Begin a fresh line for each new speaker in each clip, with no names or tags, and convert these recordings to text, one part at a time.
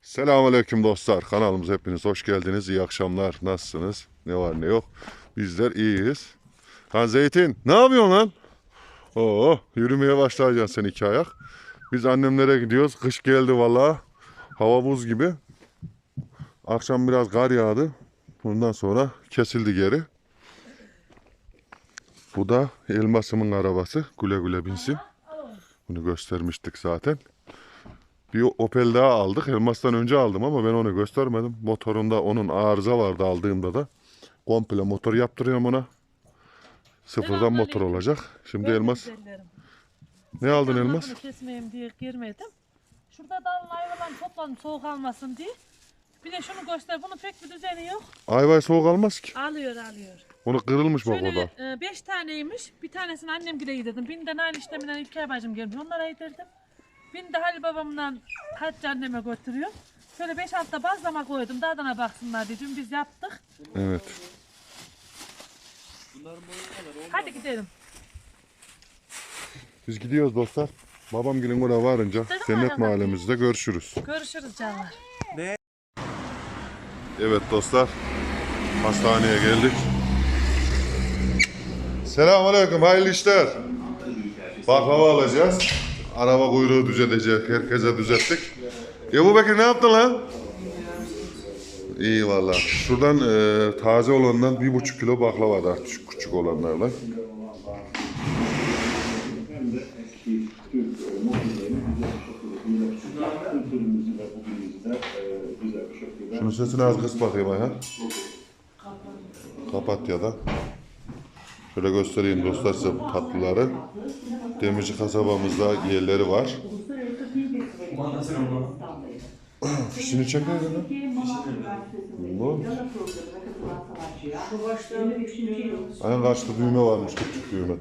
Selamünaleyküm dostlar. Kanalımıza hepiniz hoş geldiniz. İyi akşamlar. Nasılsınız? Ne var ne yok. Bizler iyiyiz. Ha Zeytin, ne yapıyorsun lan? Oo, yürümeye başlayacaksın sen 2 ayak. Biz annemlere gidiyoruz. Kış geldi vallahi. Hava buz gibi. Akşam biraz kar yağdı. Bundan sonra kesildi geri. Bu da Elmas'ımın arabası. Güle güle binsin. Bunu göstermiştik zaten. Bir Opel daha aldık. Elmas'tan önce aldım ama ben onu göstermedim. Motorunda onun arıza vardı aldığımda da. Komple motor yaptırıyorum ona. Sıfırdan motor olacak. Şimdi Elmas. Ne aldın Elmas?
Bunu kesmeyeyim diye girmedim. Şurada dalın ayvalarını topladım soğuk almasın diye. Bir de şunu göster. Bunun pek bir düzeni yok.
Ayvay soğuk almaz ki.
Alıyor.
Onu kırılmış bak orada.
Şöyle 5 taneymiş. Bir tanesini annem gile yedirdim. Birini de Nail işleminden İlker bacım gelmiş. Onlara yedirdim. Birini de Halil babamdan Hacı anneme götürüyor. Şöyle 5-6 da bazlama koydum. Dadına baksınlar diye. Dün biz yaptık.
Evet.
Hadi gidelim.
Biz gidiyoruz dostlar. Babam gelin oraya varınca Cennet Mahallemizde görüşürüz.
Görüşürüz canlar.
Evet dostlar. Hastaneye geldik. Selamünaleyküm. Hayırlı işler. Baklava alacağız. Araba kuyruğu düzelecek. Herkese düzelttik. Ebu Bekir ne yaptın lan? İyi valla. Şuradan taze olandan 1,5 kilo baklava da küçük olanlarla. Şunun sesini az kıs bakayım Ayhan. Kapat ya da. Şöyle göstereyim dostlar size bu tatlıları. Demirci kasabamızda yerleri var. Fişini çeker ya. Bu. Aynen karşıda düğme varmış, küçük düğme.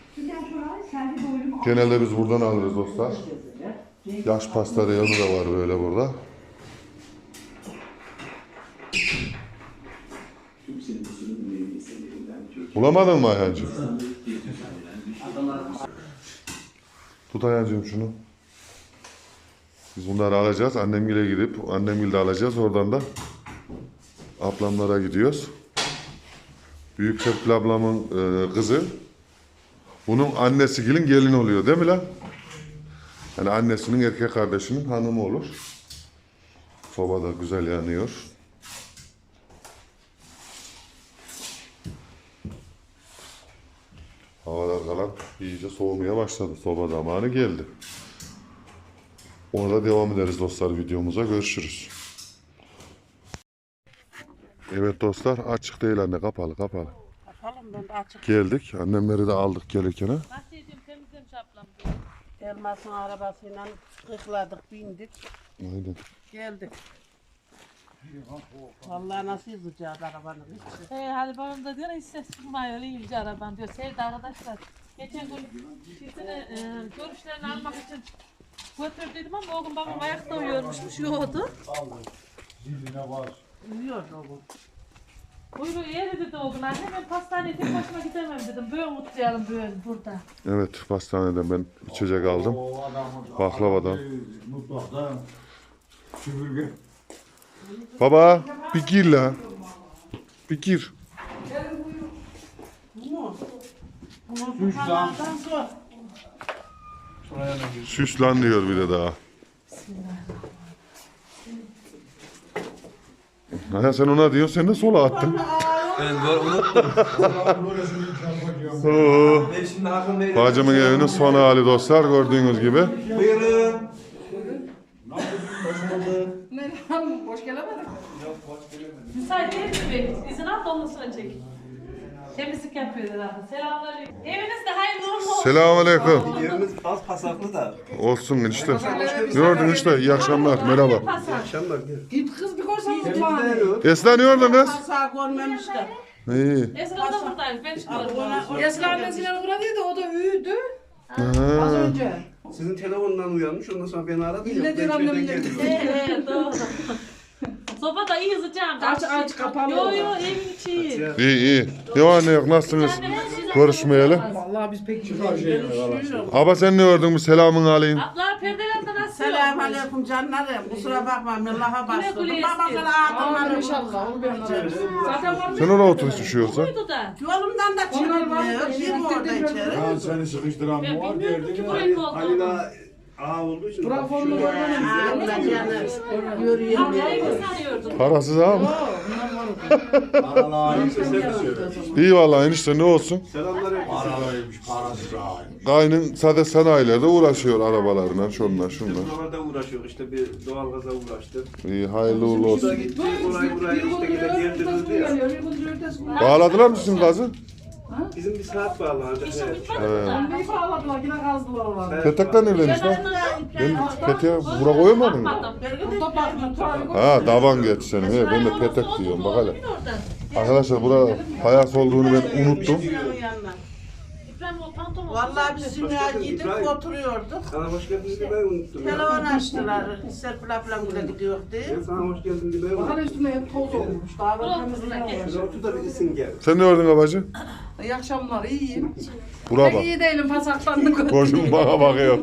Genelde biz buradan alırız dostlar. Yaş pasta reyonu da var böyle burada. Bulamadın mı Ayhancığım? Tut Ayhancığım şunu. Biz bunları alacağız. Annemgile gidip annemgilde alacağız. Oradan da ablamlara gidiyoruz. Büyük Serpil ablamın kızı. Bunun annesi gelin oluyor değil mi lan? Yani annesinin erkek kardeşinin hanımı olur. Soba da güzel yanıyor. Havalar kalan iyice soğumaya başladı. Soba zamanı geldi. Orada devam ederiz dostlar videomuza. Görüşürüz. Evet dostlar açık değil anne kapalı.
Yapalım ben de açık.
Geldik. Annemleri de aldık gelirken.
Bahçeciğim temizlemiş ablam diyor.
Elmas'ın arabasıyla kıkladık, bindik,
Aynen.
geldik. Vallahi nasıl yazacağız arabanın içi.
Halil babam da diyor hiç ses çıkmıyor öyle iyice araban diyor. Sevdi arkadaşlar. Geçen gün çiftine görüşlerini almak için götürdüydüm ama o gün babam ayakta uyuyormuşmuş yoğdu.
Uyuyordu o gün.
Buyruğu yeri dedi o gün anne ben pastaneye tek başıma gidemem dedim. Böyle mutlayalım böyle burada.
Evet pastaneden ben içecek aldım. Baklavadan.
Mutfakta süpürge.
Baba bir gir la. Bir gir.
Bunlardan zor.
Süslan diyor bir de daha. Ha, sen ona diyorsun sen de sola attın.
Ben unuttum.
Oo.
Ben şimdi hakkındaydım.
Bacımın evinin son hali dostlar gördüğünüz gibi.
Buyurun.
Merhaba, hoş gelemedik.
Müsait değil mi bey? İzin al da ondan sonra çek. Temizlik yapıyor herhalde. Selamünaleyküm. Evinizde hayırlı uğurlu olsun.
Selamünaleyküm.
Yerimiz az pasaklı da.
Olsun işte. Gördün işte iyi akşamlar merhaba.
Akşamlar gel.
Git kız bir korsanız
Temizde
bana.
yok.
Esra ne orada kız?
Sağ görmemişler.
İyi.
Esra da buradaymış. Ben çıkıyorum.
Esra annesine uğradıydı, o da üydü. Az
Ha.
önce.
Sizin telefondan uyanmış ondan sonra beni aradı.
İlle diyor annem, ille diyor.
Doğru. Soba da iyi sıcağım.
Aç kapalı.
Yo evin içi iyi.
İyi. Ne var ne yok nasılsınız? Görüşmeyeli.
Vallahi biz pek
Çıkar şeyini
görüşmüyoruz.
Aba sen ne gördün bu selamın aleyküm.
Abla perdelerden nasıl?
Selamünaleyküm canlarım. Kusura bakma Allah'a bastırdım.
güle
Babamın
istedim.
adımları
İnşallah. Onu ben ararım. Zaten var mı?
Sen oraya otur düşüyorsa.
Buydu da.
Yolumdan da
Onlar var.
çıkmıyor. Kim orada içeri?
Ben seni sıkıştıran
Ben
mı var
bilmiyorum
derdin
ki
mi?
burayı koltuğum.
Halila ağa olduğu için.
Trafonlu
Abla canım. Yürüyeyim.
Ablayı mı sanıyordun?
Parasız ha mı?
Paralar iyiyse sen söyle.
İyi vallahi enişte ne olsun.
Selamlar herkese.
Paralıymış, parasız ağaymış.
Kaynın sade sanayilerde uğraşıyor arabalarla şunlar şunlar.
Buralarda uğraşıyor işte bir doğalgaza uğraştı.
İyi hayırlı uğurlu
Burada
olsun.
gitti orayı burayı işte gide yerdirildi ya.
Bağladılar mı sizin gazı?
Bizim bir saat bağlanacak.
İşim
Evet.
bitmedi mi?
Neyi bağladılar yine kazdılar oraları.
Petekler neredeymiş lan? Ben peteğe bura koyamadım mı?
Bakmadım.
Burada bakma. Tuvalet
Ha davan geç senin. He, ben de petek diyorum bak hele. Arkadaşlar bura payas olduğunu ben unuttum.
İbrahim o pantolon.
Vallahi biz ya gidip oturuyorduk.
Sana hoş geldiniz diye ben unuttum. ya.
Telefon açtılar. Serpil ablam bile gidiyor diye.
Ben sana hoş geldin diye ben
Bakın
unuttum.
üstüne hep toz olmuş. Daha böyle temizliğe
Şöyle
uğraşıyor.
otur da bilirsin gel.
Sen ne gördün abacı?
İyi akşamlar, iyiyim.
Bura
Pek
bak.
iyi değilim, pasaklandık.
Koşun bana bakıyor.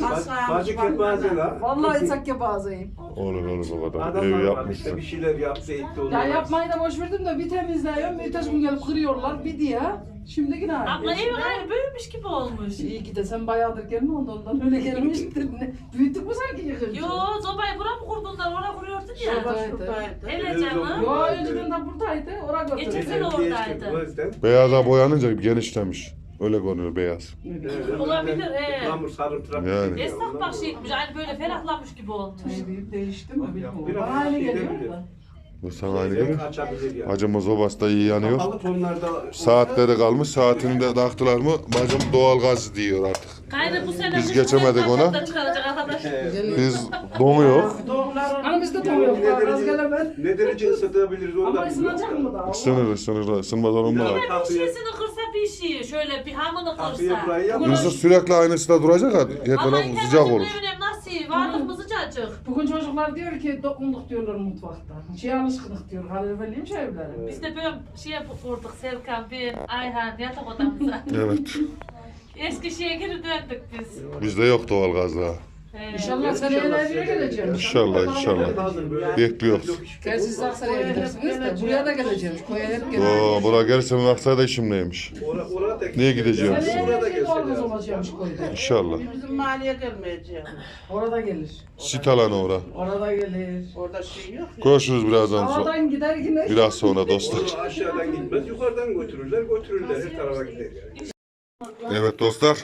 Bacı kepaze la.
Vallahi içak yapazayım.
Olur o kadar.
Adamlar
Evi
var işte
yapmışsın.
bir şeyler yaptı etti
Ya
onlar.
yapmayı da boş verdim de bir temizliyorum, bir gün gelip kırıyorlar, bir diye. Şimdi yine aynı.
Abla evin aynı büyümüş gibi olmuş.
İyi ki de sen bayağıdır gelme ondan öyle gelmiştir. Büyüttük mü sanki yıkınca?
Yo zobayı bura mı kurdunlar? Oraya kuruyordun ya.
Şuradaydı.
Evet canım.
Yo önceden de buradaydı, oraya
Geçen
götürdüm.
sene oradaydı.
O yüzden.
Beyaza boyanınca genişlemiş. Öyle görünüyor beyaz.
Olabilir he.
Yağmur sarımtırak.
Yani.
Esnaf bak şeymiş aynı böyle ferahlamış gibi olmuş.
Büyük değişti mi bilmiyorum.
Biraz
Bana aynı
şey
geliyor
de
da.
Bu sana aynı gelir.
Açabilir ya.
Bacımız obası iyi yanıyor.
Kapalı tonlarda.
Saatleri kalmış. Saatini de taktılar mı bacım doğal gaz diyor artık.
Gayrı bu sene
Biz geçemedik ona.
da çıkaracak arkadaş.
Biz donuyor.
Hani bizde tam yok, az gelemez.
Ne derece ısıtabiliriz onu da
Ama ısınacak mı daha?
Isınır. Isınmaz olur mu?
Bir şişesini kırsa bir şey. Şöyle bir hamını
Kapıyı
kırsa.
burayı yapma.
Isır sürekli aynısı da duracak ha. Her
Ama
taraf sıcak olur.
internetin nasıl? Varlık mı sıcacık?
Bugün çocuklar diyor ki dokunduk diyorlar mutfakta. Şey alışkınlık diyor. Kaloriferliyim şey evlere.
Biz de böyle şeye kurduk Serkan, ben, Ayhan yatak odamıza.
Evet.
Eski şeye geri döndük biz.
Bizde yok doğal gaz daha.
İnşallah seneye evine geleceğim.
İnşallah. Bekliyoruz.
Gerçi siz Aksaray'a gidersiniz de buraya da geleceğim. Koya hep geleceğim.
Oo, buraya gelirse Aksaray'da işim neymiş?
Orada
Niye gideceğim?
Seneye
Burada
evine doğalgaz
gelsin.
olacakmış koyda.
İnşallah.
Bizim mahalleye gelmeyeceğim.
Orada gelir.
Sit alanı ora.
Orada gelir.
Orada şey yok ya.
Görüşürüz birazdan sonra.
Havadan gider yine.
Biraz sonra dostlar.
Onu aşağıdan gitmez, yukarıdan götürürler her tarafa gider yani.
Evet dostlar.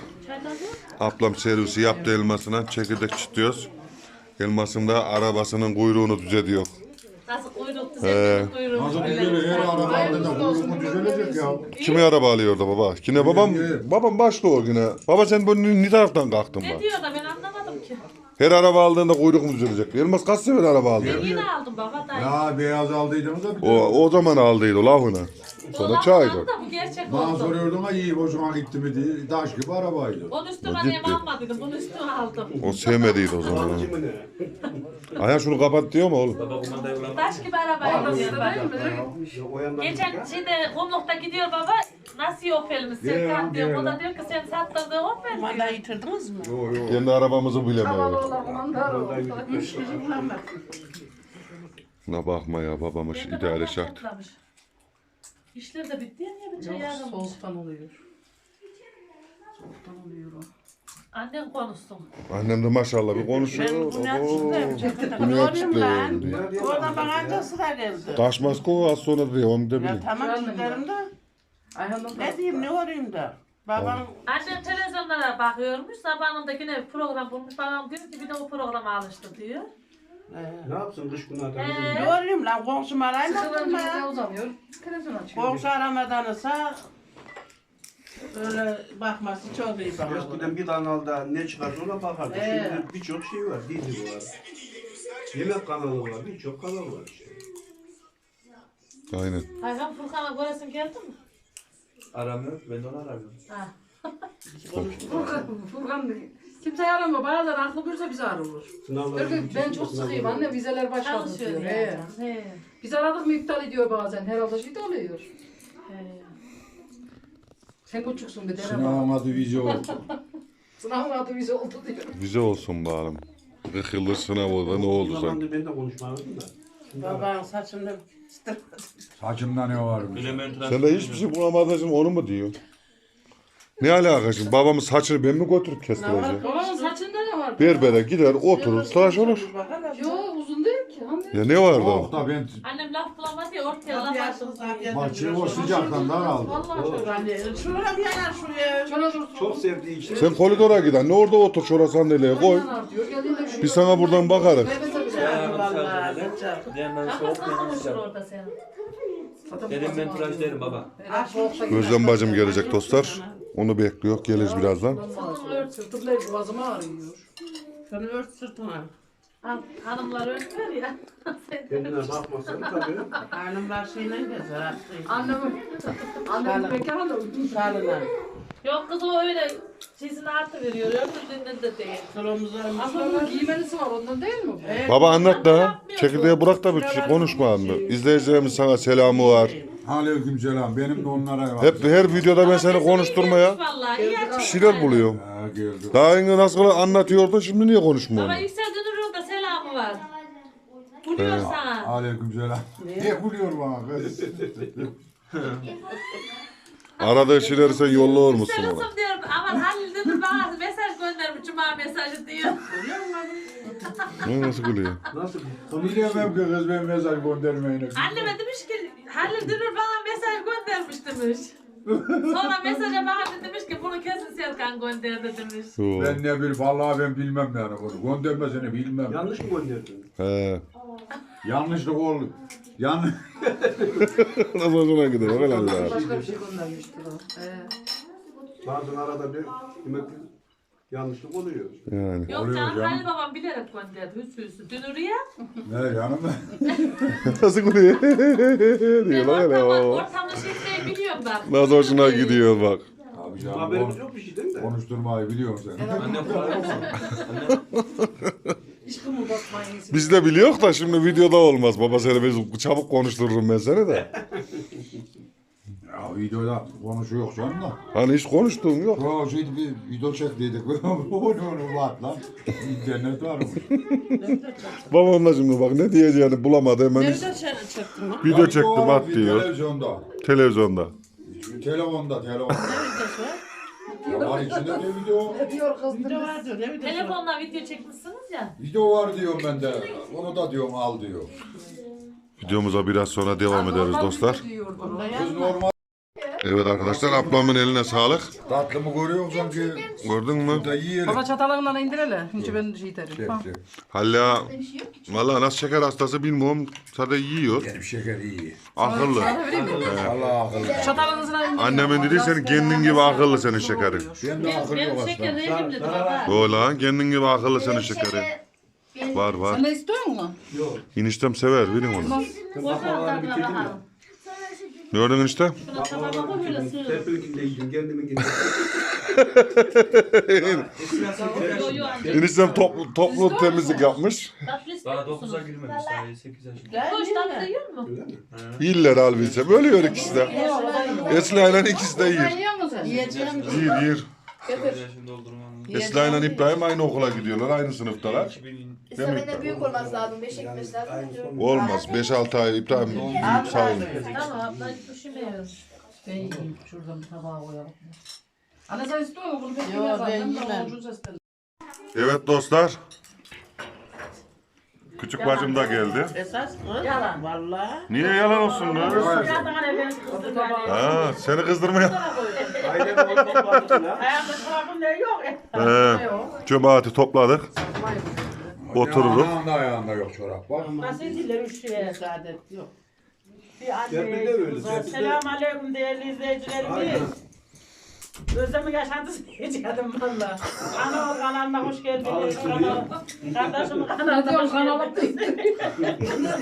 Ablam servisi yaptı elmasına. Çekirdek çıtıyoruz. Elmasım da arabasının kuyruğunu düzeliyor.
Nasıl kuyruktu
He.
senin kuyruğun.
Nasıl düzelir? Her araba aldığında kuyruğu düzelecek ya.
Kimi araba alıyordu baba? Yine babam başlı o yine. Baba sen bu ne taraftan kalktın
Ne
bak?
diyor da ben anlamadım ki.
Her araba aldığında kuyruk mu düzelecek? Elmas kaç sefer araba aldı?
Ben yine aldım baba dayı.
Ya beyaz aldıydınız da bir
O zaman aldıydı lafını. Sonra çaydı.
Da bu gerçek
bana
oldu.
soruyordun ha iyi hoşuma gitti mi diye. Taş gibi arabaydı.
Onun üstüne
O
annem
gitti.
almadıydım. Bunun üstüne aldım.
O sevmediydi o zaman.
Alıcı mı ne?
Ayhan şunu kapat diyor mu oğlum?
Taş gibi arabayla diyor bak.
Ya o yandan
Geçen şeyde kumlukta gidiyor baba. Nasıl Opel'imiz Serkan diyor. O da diyor ki sen sattırdığın Opel
Kumanda
diyor.
yitirdiniz mi?
Kendi arabamızı
Havalı
bilemiyoruz.
olan kumandar olur.
Üç kişi bulamadık.
Ne bakma ya babamız
Ben de
ideali
babam
şart.
toplamış. İşler de bitti ya niye bir çay
Yok
yarılmış.
soğuktan oluyor. Soğuktan oluyor o.
Annen konuşsun.
Annem de maşallah bir konuşuyor.
Ben bunu açtım.
Bunu
Yorayım lan.
yaptı.
Oradan bana anca sıra geldi.
Taşmaz ko az sonra diyor onu da
Ya
bileyim.
tamam çıkarım da.
Ayhan'dan
Ne diyeyim ne orayım da. Babam
Annem televizyonlara bakıyormuş. Zamanında yine bir program bulmuş. Babam diyor ki bir de o programa alıştı diyor.
ne yapsın dış günahda?
ne orayım lan komşum araymadım
Sıkılınca bize
ya.
uzanıyor. Televizyon açıyor.
Komşu aramadan ise öyle bakması çok iyi bana.
Eskiden bir kanalda ne çıkarsa ona bakardı. Şimdi birçok şey var, dizi var. Yemek kanalı var, birçok kanal var işte.
Aynen.
Ayhan Furkan'a göresin geldi mi?
Aramıyor, ben de onu aramıyorum.
Ha.
Furkan Kimse aramıyor. Bazen aklı buyursa bizi arıyor.
Sınavlar
Diyor ki ben çok sıkıyım anne vizeler başladı
Çalışıyor
diyor.
yani.
He.
He.
Biz aradık mı iptal ediyor bazen. Herhalde şey de oluyor.
He.
Sen küçüksün bir dene bak.
Sınavın adı vize oldu.
Sınavın adı vize oldu diyor.
Vize olsun bari. 40 yıldır sınav oldu. Ne oldu sanki?
zamandır ben de konuşmadım da.
Babanın saçını
Saçımda ne varmış?
Sen de hiçbir şey bulamadın şimdi onu mu diyorsun? Ne alaka şimdi? Babamın saçını ben mi götürüp kestireceğim?
Babamın saçında ne var?
Berbere gider oturur tıraş olur.
Yo uzun değil ki. Anne.
Ya ne var
Yok
da?
da ben
Annem laf bulamadı ya ortaya laf açtı.
maçı o sıcaktan daraldım.
Vallahi çok.
Şuraya bir yana şuraya.
Şöyle dursun.
Çok sevdiği için.
Sen koridora giden ne orada otur şuraya sandalyeye koy.
Yanar diyor. Geldiğinde bir şey
Biz sana buradan bakarız.
Vallahi.
Diğerinden
Kafası
soğuk
nasıl konuşur
yanacak.
orada senin?
Dedim ben tıraş derim baba.
Özlem bacım gelecek dostlar. Onu bekliyor. Gelir birazdan.
Sırtımda boğazıma ağrıyor.
Şunu ört sırtına.
Hanımlar örtüyor ya.
Kendine bakmasan tabii.
Hanımlar şeyle gezer.
Annemin mekanı
Şalına.
Yok kız o öyle şeysini artı veriyor. Öbürlüğünden de değil.
Kolumuzlarımız
Aslında bunun giymenisi var ondan değil mi?
Evet.
Baba anlat da. Çekirdeği bırak da bir şey konuşma anne. İzleyicilerimiz sana selamı var.
Aleykümselam. Benim de onlara var.
Hep her videoda ben seni konuşturmaya
Vallahi iyi
bir şeyler buluyorum.
Ha, geldi.
Daha önce nasıl anlatıyordun şimdi niye konuşmuyorsun?
Baba Yüksel Dönür'ün da selamı var. Buluyor sana.
Aleykümselam. Ne gülüyor bana kız?
Aradığı şeyleri sen yolluyor musun
Yüksel
ona?
Usum diyorum. Aman Halil Dönür bana mesaj göndermiş. Cuma mesajı diyor.
Ne nasıl gülüyor?
Nasıl?
Bilemem ki kız ben mesaj göndermeyene.
Anneme demiş ki Halil Dönür bana mesaj göndermiş demiş. Sonra mesaja bakınca demiş ki bunu kesin Serkan gönderdi demiş.
Ben ne bileyim vallahi ben bilmem yani bunu. Göndermesini bilmem.
Yanlış mı gönderdin?
He.
Yanlışlık oldu.
Nasıl hoşuna gidiyor? Öyle Allah.
Başka bir şey göndermiştir o.
Bazen arada bir demek ki yanlışlık oluyor.
Yani.
Yok
Oluyor
canım
canım.
Halil babam bilerek gönderdi. Hüsnü Dönür'ü ya.
Ne yanım
Nasıl gülüyor?
Ben
diyor lan öyle.
ortamda şekleyi biliyorum ben.
Nasıl hoşuna gidiyor bak.
Abi canım
Haberimiz yok bir şeyden de.
konuşturmayı biliyorsun sen.
Annem kolay olsun.
Hiç kımıldatmayın.
Biz de biliyor da şimdi videoda olmaz. Baba seni biz çabuk konuştururum ben seni de.
Ya videoda konuşuyor canım da.
Hani hiç konuştuğum yok.
Ya şimdi bir video çektiydik. Onu var lan. İnternet var mı?
Babam da şimdi bak ne diyeceğini bulamadı hemen
Nerede çektin lan?
video çektim at diyor.
Televizyonda.
Televizyonda.
Telefonda.
Ne videosu?
Ya var içinde ne video?
Ne diyor kız?
Video var diyor. Ne videosu?
Telefonla video çekmişsiniz ya.
Video var diyorum ben de. Onu da diyorum al diyor.
Videomuza biraz sonra devam ederiz dostlar.
Kız normal.
Evet arkadaşlar ablamın eline sağlık.
Tatlı mı görüyor sanki?
Gördün mü?
Da yiyelim.
Baba çatalından indir hele. Şimdi ben şey derim.
Çek, çek.
Hala valla nasıl şeker hastası bilmiyorum. Sadece yiyor.
Benim şeker iyi.
Akıllı.
Allah akıllı.
Çatalınızına indir.
Annemin dedi senin kendin gibi akıllı senin şekerin.
Ben de akıl yok
Benim şeker
aslında.
rejim dedi baba.
O lan kendin gibi akıllı senin şekerin. Var var.
Sen ne istiyorsun mu?
Yok.
İniştem sever bilin onu.
Ben baklavaları bitirdim ya.
Gördün işte.
Şuna tabağına koy böyle sığır.
Serpil'inkini de yiyeceğim, kendiminkini de.
Yo yo anca.
İniştem toplu temizlik yapmış.
Tatlı istiyor
Daha
musunuz?
9'a girmemiş daha 8 yaşında.
Koş tatlı yiyor mu?
Öyle mi?
İller halbuki. Böyle yiyor ikisi de. Esra ile ikisi de yiyor.
Yiyor musun sen?
Yiyeceğim.
Yiyor.
8 yaşında doldurmam.
Esra ile İbrahim aynı okula gidiyorlar. Aynı sınıftalar.
2000
İstemene büyük olması lazım. 5 gitmesi lazım.
Olmaz. 5-6 ay İbrahim büyük sayılır.
Tamam abla hiç düşünmüyoruz.
Ben yiyeyim. Şuradan bir tabağa koyalım. Anne sen istiyor musun? Bunu pek
Yo,
yemez
ben
zaten.
yemem.
Ucuz istedim.
Evet dostlar. Küçük bacım da geldi.
Esas kız.
Yalan.
Vallahi.
Niye yalan olsun lan? Ha, seni kızdırmaya.
Ailem onu topladık ya.
Ayağımda çorabım ne yok.
Cemaati topladık. Otururuz.
Ayağında yok çorap bak.
Nasıl diller üşüye? Saadet yok. Bir
Serpil de öyle. Serpil de.
Selamun aleyküm değerli izleyicilerimiz.
Aynen.
Özlem'in yaşantısı geçelim valla. Ana kanalına hoş geldiniz. Kardeşim kanalına
Diyorum
hoş
kanalıp
geldiniz.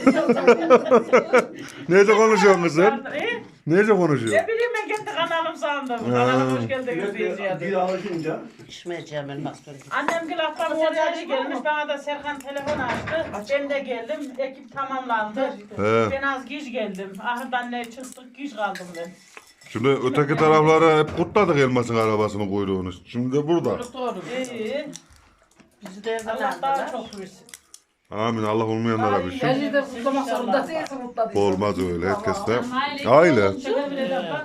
Neyce konuşuyorsun kızım? Neyce konuşuyorsun?
Ne bileyim ben kendi kanalım sağ sandım. Kanala hoş geldiniz
Sürekli bir
diyeceğim.
alışınca
İçmeyeceğim elmas böyle. Annem gül haftanın oraya gelmiş. Bana da Serkan telefon açtı. Ben de geldim. Ekip tamamlandı.
He.
Ben az geç geldim. Ahırdan ne çıktık geç kaldım ben.
Şimdi öteki taraflara hep kutladık elmasın arabasının kuyruğunu. Şimdi de burada.
Doğru. İyi. Bizi de Allah daha çok versin.
Amin. Allah olmayanlara bir şey.
Her de kutlamak zorunda değilsin mutlu değilsin.
Olmaz öyle. Herkes de aile.
Şöyle bile yapar.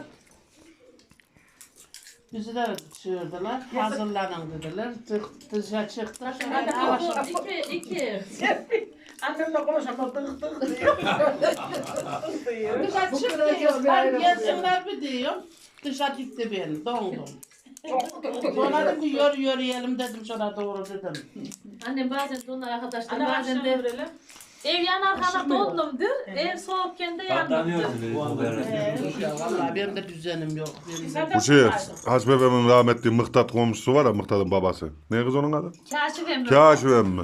Bizi de çağırdılar. Hazırlanın dediler. Dışarı çıktık.
İki.
Annemle konuşamam. Tık tık diyor. Dışarı
Bu
çıktı
kadar
diyor.
kez bir
Ben
ayrı
gelsinler bir diyor. Dışarı gitti beni. Dondum. Sonra dedim ki yürüyelim dedim sonra doğru dedim.
Annem bazen de onlar arkadaşlar
Anne
bazen de ev yanar kana dondumdur. Ev soğukken de yandım.
Katlanıyorsun dedi bu beraber.
Vallahi benim de düzenim yok.
Bu şey, Haç bebeğimin rahmetli Mıhtat komşusu var ya, Mıhtat'ın babası. Ne kız onun adı?
Kaşif emmi.
Kaşif emmi.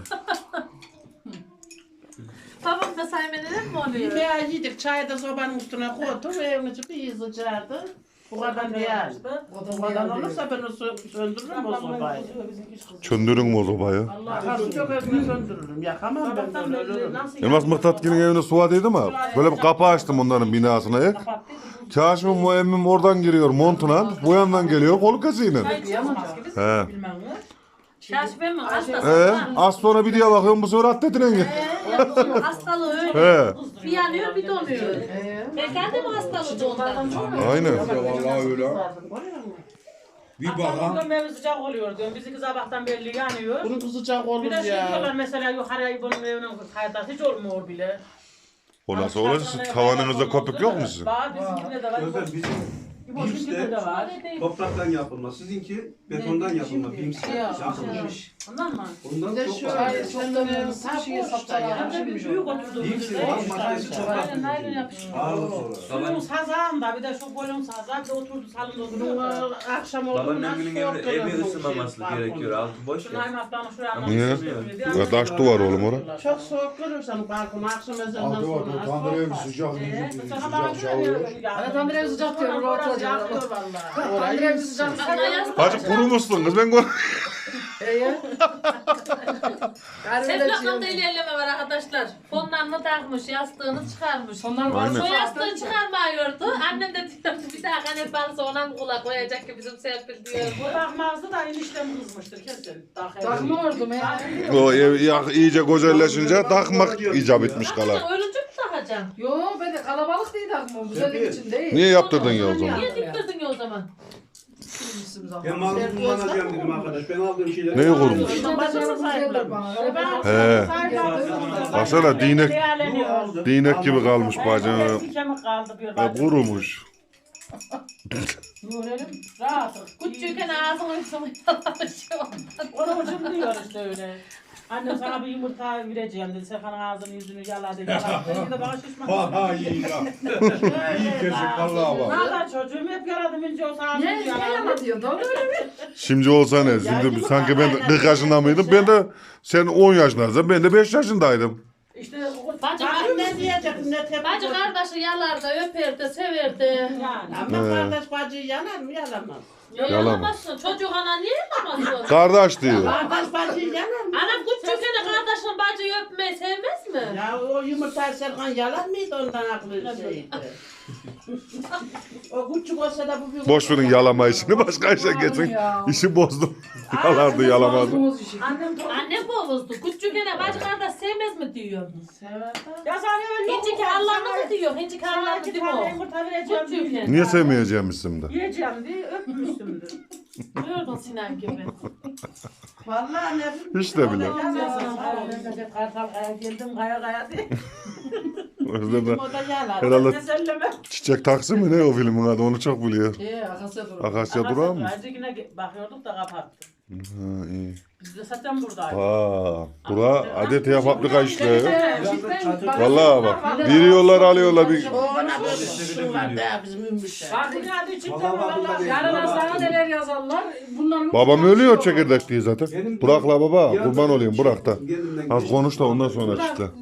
Babam da saymeneler mi oluyor?
Yemeği yedik çayı da sobanın üstüne koydum. Evin içi bir sıcaktı. Bu kadar değil. Bu kadar olursa ben söndürürüm o sobayı.
Çöndürün mü o sobayı?
Karşı çok evine söndürürüm. Yakamam ben böyle ölürüm.
Elmas Mıhtat'ın evine suadıydı mı? Böyle bir kapı açtım onların binasına ek. Kaşif'im o emmim oradan giriyor montuna. Bu yandan geliyor kolu kesiyle. He.
Kaşif emmi hastası.
Az sonra bir diye bakıyorum bu sefer atletine gel.
Hastalığı öyle.
He.
Bir yanıyor bir donuyor. Efendim hastalığı da ondan.
Aynen.
Vallahi öyle. Bir bakan.
Bugün evi sıcak oluyor diyorum. Bizimki sabahtan belli yanıyor.
Bunun sıcak olur
Bir de şey diyorlar
ya.
mesela yukarıya bunun evinin kaydı hiç olmuyor bile.
O nasıl olur? Siz tavanınızda köpük yok mu sizin?
Var bizimkinde de var.
Özel bizim
İboşunkinde de var.
topraktan yapılma. Sizinki betondan yapılma. Bimsi yapılmış.
Ondan mı?
Ondan
de
çok
şöyle
var.
çoktan sapşiye sapsalar.
Hem de bir büyük oturduğumuz
Bimsi
yerde.
var. Maddesi toprak.
Aynen naylon yapışıyor.
Ağırlık olarak.
Suyun sazağında bir de şu golün sazağı bir de oturdu salonda oturuyor.
Bunun akşam olduğunda
Babaannemin evinde evi ısınmaması gerekiyor. Altı boş
Şunu
ya.
aymaktan şuraya
Niye?
anlamışsın.
Ya taş duvar oğlum orada.
çok soğuk görürsen balkonu akşam ezanından
Altı var.
sonra.
Tandır evi sıcak. Sıcak şavruyor.
Hani tandır evi sıcak diyor, orada oturacak.
Yakıyor valla.
Tandır evi sıcak.
Hacı kurumuşsun kız ben gör.
Seflakamda ilerleme var arkadaşlar. Fonlarını takmış, yastığını çıkarmış.
Aynen.
O yastığı çıkarmıyordu. Annem de diyordu bir daha kanet varsa ona mı kulak koyacak ki bizim Serpil diyor.
Bu bakmazdı da eniştem kızmıştır kesin.
Takma ordum ya.
O ev iyice güzelleşince takmak icap etmiş kala.
Sen ölünce mi takacaksın?
Yo ben de kalabalık değil takma. Güzellik için değil.
Niye yaptırdın ya o zaman?
Niye diktirdin ya o zaman?
Ben malımı kullanacağım dedim arkadaş. Ben aldığım şeyleri...
Neyi kurmuş?
Bacısı sahiplenmiş.
He. Baksana değnek,
Değerleniyor.
değnek gibi kalmış bacım.
Eski kemik kaldı bir
Ya
bacım.
kurumuş.
Görelim. Rahat.
Küçükken ağzını üstüne yalamış ondan.
Onun için diyor işte öyle. Annem sana bir yumurta vereceğim dedi. Serkan'ın ağzını yüzünü yaladı. Yaladı. Bir de bana şişman.
Vallahi iyi ya. İyi kesin vallahi bak.
Valla çocuğum hep yaladım. İnce olsa ağzını
Niye
yaladı.
yana diyor? Doğru öyle mi?
Şimdi olsa ne? Şimdi sanki ben 40 yaşında mıydım? Ben de sen 10 yaşındaydın. Ben de 5 yaşındaydım.
İşte
Bacı
ne diyecektim ne tepki.
Bacı kardeşi yalardı, öperdi, severdi.
Yani.
Ama kardeş bacıyı yanar mı yalamaz.
Yalamazsın. Çocuk ana niye yalamazsın?
Kardeş diyor.
Kardeş bacıyı yanar mı?
Anam küçükken de kardeşin bacıyı öpmeyi sevmez mi?
Ya o yumurtayı Serkan yalar mıydı ondan aklı şeydi. O küçük olsa da bu bir...
Boş verin yalama işini, başka işe geçin. İşi bozdum. Yalardı yalamazdı.
Annem bozdu. Küçükken de bacı kardeş sevmez mi diyor.
Sever.
Ya sana öyle
Hincik Allah'ını mı diyor? Hincik Allah'ını değil mi o?
yumurta vereceğim diye.
Küçükken.
Niye sevmeyeceğim de?
Yiyeceğim diye öpmüştümdür.
Duyurdun Sinan gibi.
Vallahi ne bileyim.
Hiç de bile.
Kartal kaya geldim kaya kaya diye.
Özlem
O da yalar.
herhalde
Meselleme.
Çiçek Taksi mi ne o filmin adı, onu çok biliyor.
Akasya dur.
Akasya durağı mı?
Acı yine bakıyorduk da kapattı.
Ha iyi.
Biz de zaten buradaydık.
Aa, bura adetiye fabrika işleri.
Vallahi
Vallahi bak, veriyorlar alıyorlar bir.
O ona böyle su var da bizim ümmüşler.
Bak yine adı çıktı mı
Vallahi
valla.
yarın sana neler yazarlar. Bunların
Babam ölüyor çekirdek diye zaten. Burak'la baba, kurban olayım Burak da. Az konuş da ondan sonra çıktı.
Hiç adı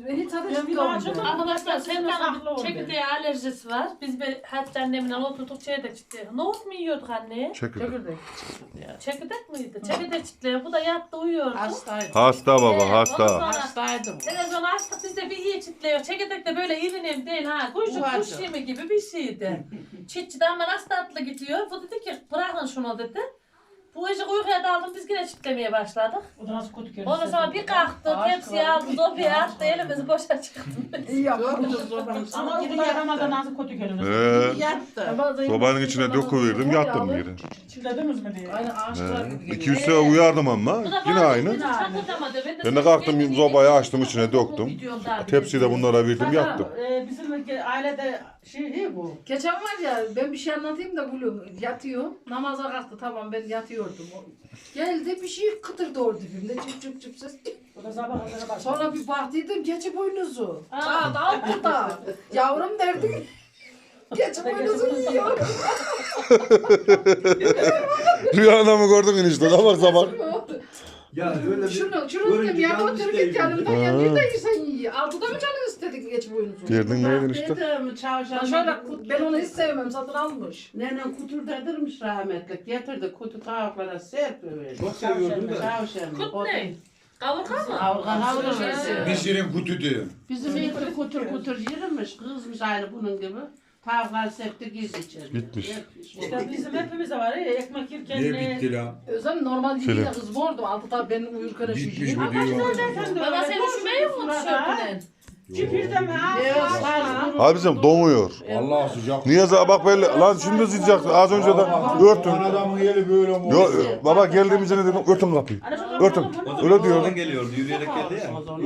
Arkadaşlar Serkan'ın çekirdeğe alerjisi var. Biz bir Hatice annemle oturduk çekirdek çitleyelim. Nohut mu yiyorduk anne?
Çekirdek.
Çekirdek miydi? Çekirdek çitleyelim. Bu da yattı uyuyordu.
Hastaydım.
Hasta baba
Ondan
hasta.
sonra
Hastaydım.
televizyon açtık biz de bir iyi çitliyor. Çekirdek de böyle irinim değil ha. Kuş yemi gibi bir şeydi. Çitçi de ama nasıl tatlı gidiyor. Bu dedi ki bırakın şunu dedi. Bu gece uykuya daldım biz yine çitlemeye başladık. Ondan sonra bir kalktı, tepsiyi aldı, sofraya attı, elimizi boşa çıktı.
İyi yaptın.
Ama geri yaramadan nasıl kötü gelir.
Yattı.
Sobanın içine döküverdim yattım geri.
Çilediniz mi diye.
Aynı ağaçlar gibi geliyor.
200 sefer uyardım ama yine aynı. Ben de kalktım sobayı açtım içine döktüm. Tepsiyi de bunlara verdim yattım.
Bizim ailede şey bu.
Geçen var ya ben bir şey anlatayım da gülüm yatıyor. Namaza kalktı tamam ben yatıyordum. Geldi bir şey kıtırdı orada dibimde çıp çıp çıp ses.
O da sabah kadar başladı.
Sonra bir baktıydım keçi boynuzu. Saat altıda. Yavrum derdim. Keçi boynuzu yiyor.
Rüyanda mı gördün enişte? Sabah sabah.
Ya öyle bir
Şunu
görünce
dedim ya
canımız
otur
değil.
git yanımdan yanıyor da sen yiyor. Altıda mı canın istedin keçi boynuzu?
Derdin neydin işte?
Dedim
Ben
çavşan.
şöyle ben onu hiç sevmem satın almış.
Nenem kutur dedirmiş rahmetlik. Getirdi kutu tavuklara serpiyor.
Çok seviyordum da.
Çavşan.
Kut ne? Kavurga mı?
Kavurga.
Pişirin kutu diyor.
Bizim eti kutur kutur yürümüş. Kızmış aynı bunun gibi. Tavuklar septi giz içeri.
Bitmiş.
İşte bizim hepimizde var ya ekmek yerken
Ne bitti la?
Özlem normal
Şöyle.
değil de kız bordu. Altıda ben uyurken
Bitmiş
şu
mi diyor.
Baba sen üşümeyi mi tişörtünden?
Çipirde mi?
Abicim donuyor.
Allah sıcak.
Niye bak böyle lan şimdi sıcak az önce de örtün.
Adamın yeri böyle mi?
Yo, baba geldiğimizde ne dedim örtün kapıyı. Örtün. Öyle diyor.
Oradan geliyordu yürüyerek geldi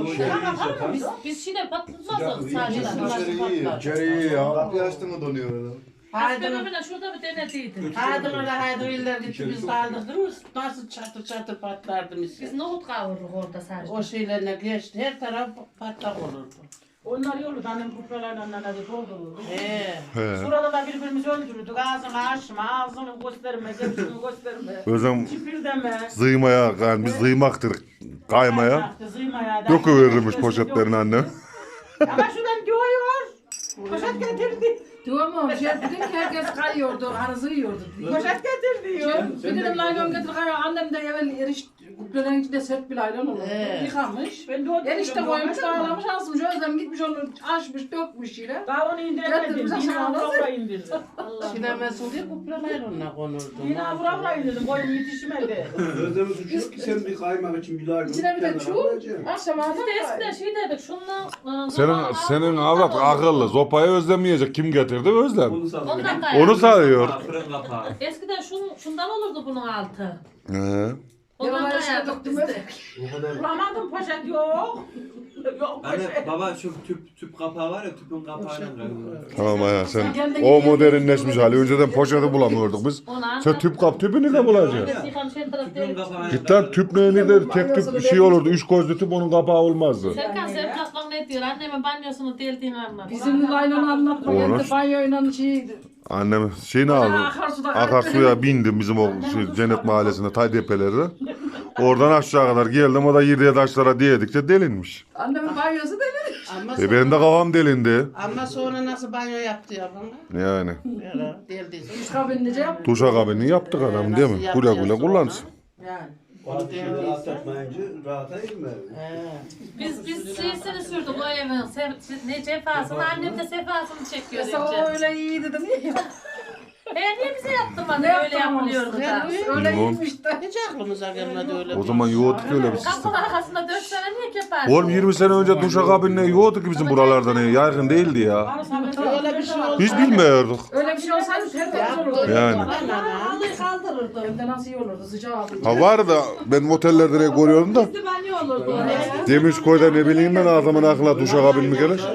ya.
Biz şimdi patlatmazdık sadece.
İçeri iyi ya.
Kapıyı açtı mı donuyor adam.
Haydi
Fenomen'e şurada bir denediydim.
haydi iller gitti biz kaldık değil mi? Nasıl çatır çatır patlardı
Biz
miskin.
nohut kavururuk orada sadece.
O şeylerine geçti her taraf patlak olurdu.
Onlar yoldu annem kupralarla annene doldururdu.
He.
Burada da birbirimizi öldürürdük. Ağzını açma, ağzını gösterme, gözünü gösterme.
Özlem
Çipirdeme.
zıymaya yani biz zıymaktır kaymaya. Döküverirmiş poşetlerini annem.
Ama şuradan diyor. Poşet getirdi.
Diyorum ama şey dedim ki herkes kayıyordu, arızı yiyordu.
Poşet getir diyor.
Bir dedim laylon getir kayıyor. Annem de evvel eriş kuplelerin içinde sert bir laylon olur. Yıkamış.
Ben de o
Erişte koymuş, dağlamış, asmış. Özlem gitmiş onu açmış, dökmüş yine.
Daha onu indiremedim.
Getirmiş
Yine
aşağıda.
avravla indirdim.
Sinemesi diye kuplalar onunla konurdu.
Yine avravla indirdim. Boyum yetişmedi.
Özlem'in suçu yok ki sen bir kaymak için bir daha
İçine bir de çuğ. Akşam
Biz de
ağzına
eskiden şey dedik şundan...
Senin avrat akıllı. Sopayı özlemeyecek. Kim getirdi? Özlem.
Onu sallıyor.
Ondan da
Onu sayıyor.
Fırın kapağı.
Eskiden şundan olurdu bunun altı.
He.
Ondan
Yalan
da
işte
yaptık
döktüm
biz de.
O kadar.
Bulamadım poşet yok. Yok
Anne
poşet.
baba şu tüp kapağı var ya tüpün kapağıyla kayıyor.
Tamam ya sen o modernleşmiş hali. Önceden poşeti bulamıyorduk biz. Sen tüpünü de bulacaksın.
Tüpün kapağıyla
Git lan tüp neyini de tek tüp bir şey olurdu. 3 gözlü tüp onun kapağı olmazdı.
Serkan sen kalkmak ne diyor? Annemin banyosunu deldiğini anlat.
bizim laylonu anlatma
Olur.
geldi banyoyla şeydi.
Annem şeyini aldı. Akarsuya bindim bizim o Cennet Mahallesi'nde Taydepeler'de. Oradan aşağı kadar geldim. O da yediye taşlara diyedikçe delinmiş.
Annemin banyosu deli.
Ama
Benim de kafam delindi.
Ama sonra nasıl banyo yaptı ya bana?
Yani.
Yara deldiyse.
Üç kabinlice yaptı.
Duşakabini yaptık adam değil mi? Güle güle kullansın.
Yani.
Onu rahat etmeyince rahata girmiyor.
Biz şeysini sürdük o evin ne cefasını annem de sefasını çekiyor.
Mesela o öyle iyi dedim.
Niye bize yaptırmadın
Ne
öyle yapılıyordu da.
Öyle
Bilmem.
iyiymiş de.
Hiç aklımıza gelmedi öyle.
O zaman yoğurduk öyle bir sistem.
Kapının arkasında 4 sene niye keparsın?
Oğlum 20 sene önce duşakabinle yoğurduk ki bizim buralarda ne? Yaygın değildi ya.
Öyle bir şey oldu.
Biz bilmiyorduk.
Öyle bir şey olsaydı tertemiz olurdu.
Yani.
Halıyı kaldırırdı.
Hem de nasıl iyi olurdu sıcağı aldı.
Ha var da ben otellerde ne görüyorum da.
Bizde banyo olurdu.
Demirçkoy'da ne bileyim ben adamın aklına duşakabin mi gelir?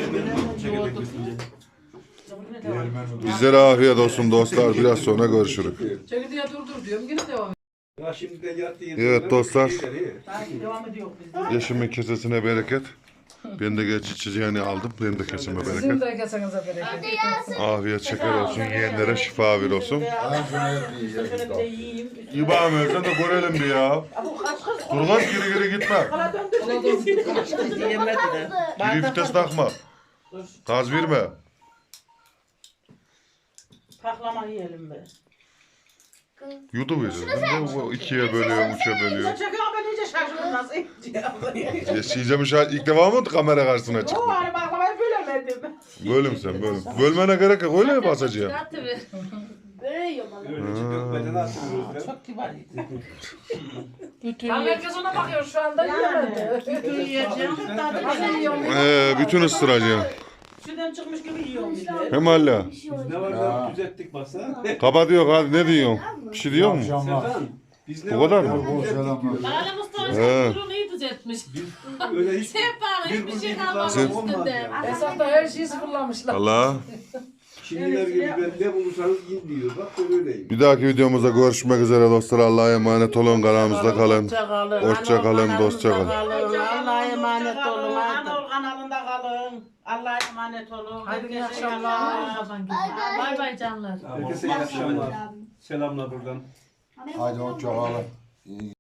Bizlere afiyet olsun dostlar. Biraz sonra görüşürüz.
Çekirdeğe durdur diyorum yine devam.
Ya şimdi de yattı
Evet dostlar.
Devam ediyor bizde.
Yeşimin kesesine bereket. Ben de geç içeceğini aldım. Benim de kesime
Sizin
bereket.
de kesenize bereket.
Afiyet şeker olsun. Yeğenlere şifa bir olsun.
Ben şunu hep yiyeceğim.
İbam versen de görelim bir ya. Dur kaç geri gitme.
Yemedi de.
Geri vites takma. Gaz verme.
Paklama yiyelim be.
Yutuverir. Ne ikiye bölüyor, üçe bölüyor.
Çekiyor ben iyice şaşırdım nasıl yiyeceğim.
Yaşayacağım ilk defa mı kamera karşısına çıktı?
O hani baklamayı bölemedim.
Bölüm sen bölüm. Bölmene gerek yok. Öyle mi basacağım?
Böyle yiyorum valla.
Öyle dökmeden atıyoruz.
Çok kibar yedi. Bütün
Tam herkes ona bakıyor şu anda yiyemedi.
bütün yiyeceğim. Tadı
Nasıl
bile.
yiyorum?
Bütün ısıracağım.
Şuradan çıkmış gibi yiyorum bir de.
Hem hala.
Biz ne var ya düzelttik baksana.
Kapat hadi ne diyorsun? Bir şey diyor mu?
Akşamlar.
Serkan, biz ne
Bu kadar
var
mı?
ya düzelttik diyoruz.
Lale Mustafa
He.
durunu iyi düzeltmiş.
Öyle hiç
Hep bana
bir
hiçbir şey
gün
kalmadı
bir olmaz
üstünde.
ya.
Esnafta her şeyi sıfırlamışlar.
Allah.
Şimdiler gibi ben ne bulursanız yiyin diyor. Bak ben öyleyim.
Bir dahaki videomuzda görüşmek üzere dostlar. Allah'a emanet olun. Kanalımızda kalın.
Hoşça kalın.
Hoşça kalın,
Anadolu
dostça kalın.
kanalımızda kalın. Allah'a emanet olun.
Anadolu kanalında kalın. Allah'a emanet olun.
Haydi iyi
Herkese
akşamlar.
Bay bay canlar.
Herkese iyi akşamlar. Selamlar buradan.
Haydi hoşça kalın.